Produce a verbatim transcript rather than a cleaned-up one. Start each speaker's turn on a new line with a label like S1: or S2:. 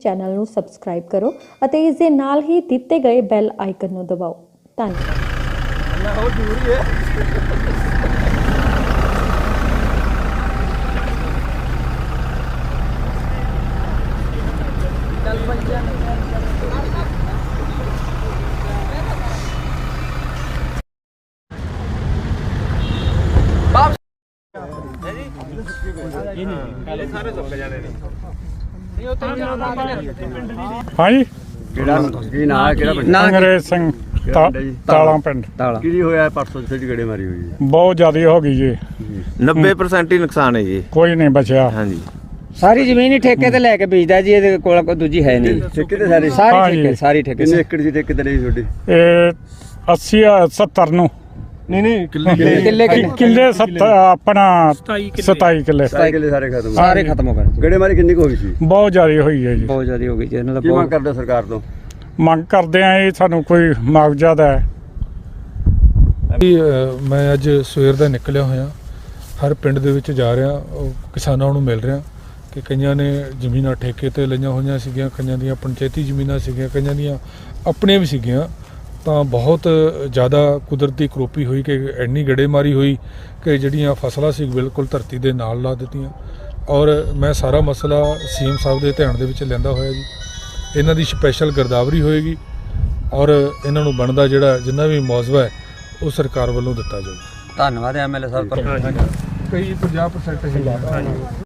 S1: Channel ਨੂੰ subscribe ਕਰੋ ਅਤੇ ਇਸ ਦੇ ਨਾਲ ਹੀ ਦਿੱਤੇ ਗਏ ਬੈਲ ਆਈਕਨ ਨੂੰ ਦਬਾਓ। ਧੰਨਵਾਦ।
S2: ਉਹ ਜ਼ਰੂਰੀ ਹੈ।
S3: हाँ जी
S2: ਕਿਹੜਾ ਕੀ ਨਾਂ ਹੈ ਕਿਹੜਾ ਪਿੰਡ
S3: अंग्रेज सिंह ता- ताला पिंड
S2: ਕੀ ਹੋਇਆ ਪਰਸੋਂ ਜਿੱਥੇ ਗੇੜੇ ਮਾਰੀ ਹੋਈ ਹੈ
S3: बहुत ज्यादा हो गई जी,
S4: नब्बे परसेंट ही नुकसान है जी।
S3: कोई नहीं बचा।
S4: हाँ जी,
S5: ਸਾਰੀ ਜ਼ਮੀਨ ਹੀ ਠੇਕੇ ਤੇ ਲੈ ਕੇ ਵੇਚਦਾ ਜੀ, ਇਹਦੇ ਕੋਲ ਕੋਈ ਦੂਜੀ ਹੈ ਨਹੀਂ।
S2: ਠੇਕੇ ਤੇ ਸਾਰੇ
S3: ਹਾਂ
S5: ਸਾਰੀ
S3: ਜੀ।
S5: ਠੇਕੇ ਸਾਰੀ ਠੇਕੇ
S2: ਕਿੰਨੇ ਏਕੜ ਦੀ ਠੇਕੇ ਤੇ ਲਈ ਤੁਹਾਡੀ
S3: ये अस्सी सत्तर नु
S2: ਨਹੀਂ ਨਹੀਂ
S5: ਕਿੱਲੇ
S3: कि-
S5: ਕਿੱਲੇ
S3: किले सत्तर अपना सताई किले
S2: ਸਾਰੇ ਕਿੱਲੇ ਸਾਰੇ ਖਤਮ
S5: ਸਾਰੇ ਖਤਮ ਹੋ ਗਏ।
S2: ਗੇੜੇ ਮਾਰੀ ਕਿੰਨੀ ਕੁ ਹੋਈ ਸੀ
S3: बहुत ज्यादा हुई है जी।
S5: ਬਹੁਤ ਜ਼ਿਆਦਾ ਹੋ ਗਈ ਜੀ, ਇਹਨਾਂ ਦਾ
S2: ਕੀ ਮੰਗ
S5: ਬਹੁਤ
S2: ਕਰਦੇ ਸਰਕਾਰ ਤੋਂ
S3: ਮੰਗ ਕਰਦੇ ਆ ਇਹ ਸਾਨੂੰ ਕੋਈ ਮੁਆਵਜ਼ਾ ਦਾ ਹੈ।
S6: ਮੈਂ ਅੱਜ ਸਵੇਰ ਦਾ ਨਿਕਲਿਆ ਹੋਇਆ, ਹਰ ਪਿੰਡ ਦੇ ਵਿੱਚ ਜਾ ਰਿਹਾ, ਉਹ ਕਿਸਾਨਾਂ ਨੂੰ ਮਿਲ ਰਿਹਾ ਕਿ ਕਈਆਂ ਨੇ ਜ਼ਮੀਨਾਂ ਠੇਕੇ ਤੇ ਲਈਆਂ ਹੋਈਆਂ ਸੀਗੀਆਂ, ਕਈਆਂ ਦੀਆਂ ਪੰਚਾਇਤੀ ਜ਼ਮੀਨਾਂ ਸੀਗੀਆਂ, ਕਈਆਂ ਦੀਆਂ ਆਪਣੀਆਂ ਵੀ ਸੀਗੀਆਂ। ਤਾਂ ਬਹੁਤ ਜ਼ਿਆਦਾ ਕੁਦਰਤੀ ਕਰੋਪੀ ਹੋਈ ਕਿ ਇੰਨੀ ਗੜੇਮਾਰੀ ਹੋਈ ਕਿ ਜਿਹੜੀਆਂ ਫਸਲਾਂ ਸੀ ਬਿਲਕੁਲ ਧਰਤੀ ਦੇ ਨਾਲ ਲਾ ਦਿੱਤੀਆਂ। ਔਰ ਮੈਂ ਸਾਰਾ ਮਸਲਾ ਸੀਐਮ ਸਾਹਿਬ ਦੇ ਧਿਆਨ ਦੇ ਵਿੱਚ ਲਿਆਂਦਾ ਹੋਇਆ ਜੀ। ਇਹਨਾਂ ਦੀ ਸਪੈਸ਼ਲ ਗਿਰਦਾਵਰੀ ਹੋਏਗੀ ਔਰ ਇਹਨਾਂ ਨੂੰ ਬਣਦਾ ਜਿਹੜਾ ਜਿੰਨਾ ਵੀ ਮੁਆਵਜ਼ਾ ਹੈ ਉਹ ਸਰਕਾਰ ਵੱਲੋਂ ਦਿੱਤਾ ਜਾਊਗਾ।
S5: ਧੰਨਵਾਦ ਐਮਐਲਏ ਸਾਹਿਬ।
S6: ਕਈ ਪੰਜਾਹ ਪਰਸੈਂਟ ਹੀ